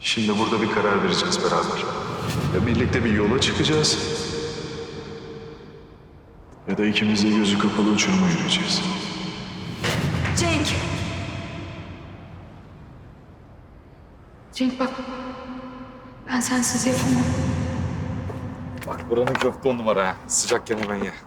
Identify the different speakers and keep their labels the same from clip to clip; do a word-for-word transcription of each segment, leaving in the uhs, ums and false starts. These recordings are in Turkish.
Speaker 1: Şimdi burada bir karar vereceğiz beraber. Ya birlikte bir yola çıkacağız ya da ikimiz de gözü kapalı uçuruma yürüyeceğiz.
Speaker 2: Cenk. Cenk bak. Ben sensiz yapamam.
Speaker 3: Bak buranın köfte on numara ha. Sıcakken hemen ye.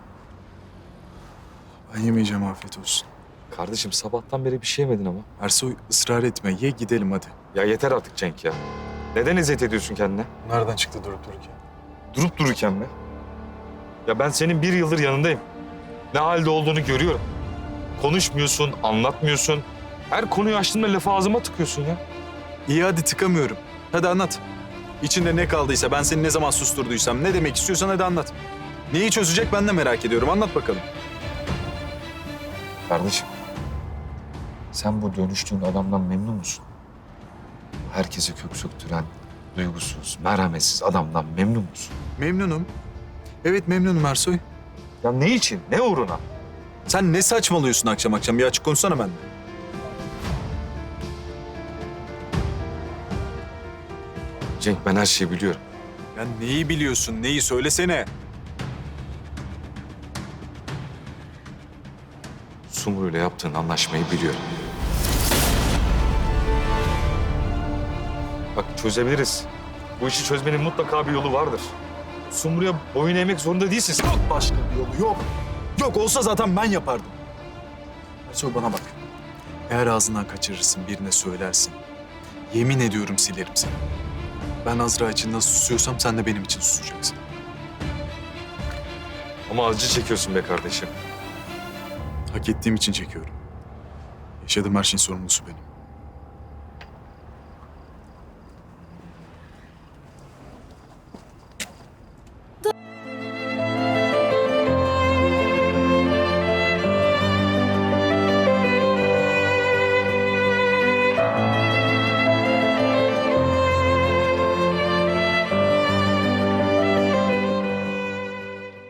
Speaker 1: Ben yemeyeceğim, afiyet olsun.
Speaker 3: Kardeşim sabahtan beri bir şey yemedin ama.
Speaker 1: Ersoy, ısrar etme, ye gidelim hadi.
Speaker 3: Ya yeter artık Cenk ya. Neden eziyet ediyorsun kendine?
Speaker 1: Nereden çıktı durup dururken?
Speaker 3: Durup dururken mi? Ya ben senin bir yıldır yanındayım. Ne halde olduğunu görüyorum. Konuşmuyorsun, anlatmıyorsun. Her konuyu açtığında lafı ağzıma tıkıyorsun ya.
Speaker 1: İyi hadi, tıkamıyorum. Hadi anlat. İçinde ne kaldıysa, ben seni ne zaman susturduysam, ne demek istiyorsan hadi anlat. Neyi çözecek ben de merak ediyorum. Anlat bakalım.
Speaker 3: Kardeşim, sen bu dönüştüğün adamdan memnun musun? Herkese kök söktüren, duygusuz, merhametsiz adamdan memnun musun?
Speaker 1: Memnunum. Evet memnunum Ersoy.
Speaker 3: Ya ne için, ne uğruna?
Speaker 1: Sen ne saçmalıyorsun akşam akşam? Bir açık konuşsana benimle.
Speaker 3: Cenk, ben her şeyi biliyorum.
Speaker 1: Ya neyi biliyorsun? Neyi söylesene.
Speaker 3: Sumru ile yaptığın anlaşmayı biliyorum. Bak çözebiliriz. Bu işi çözmenin mutlaka bir yolu vardır. Sumru'ya boyun eğmek zorunda değilsin. Sen-
Speaker 1: Yok başka bir yolu yok. Yok olsa zaten ben yapardım. Ersoy bana bak. Eğer ağzından kaçırırsın, birine söylersin. Yemin ediyorum silerim seni. Ben Azra için nasıl susuyorsam sen de benim için susacaksın.
Speaker 3: Ama acı çekiyorsun be kardeşim.
Speaker 1: Hak ettiğim için çekiyorum. Yaşadığım her şeyin sorumlusu benim.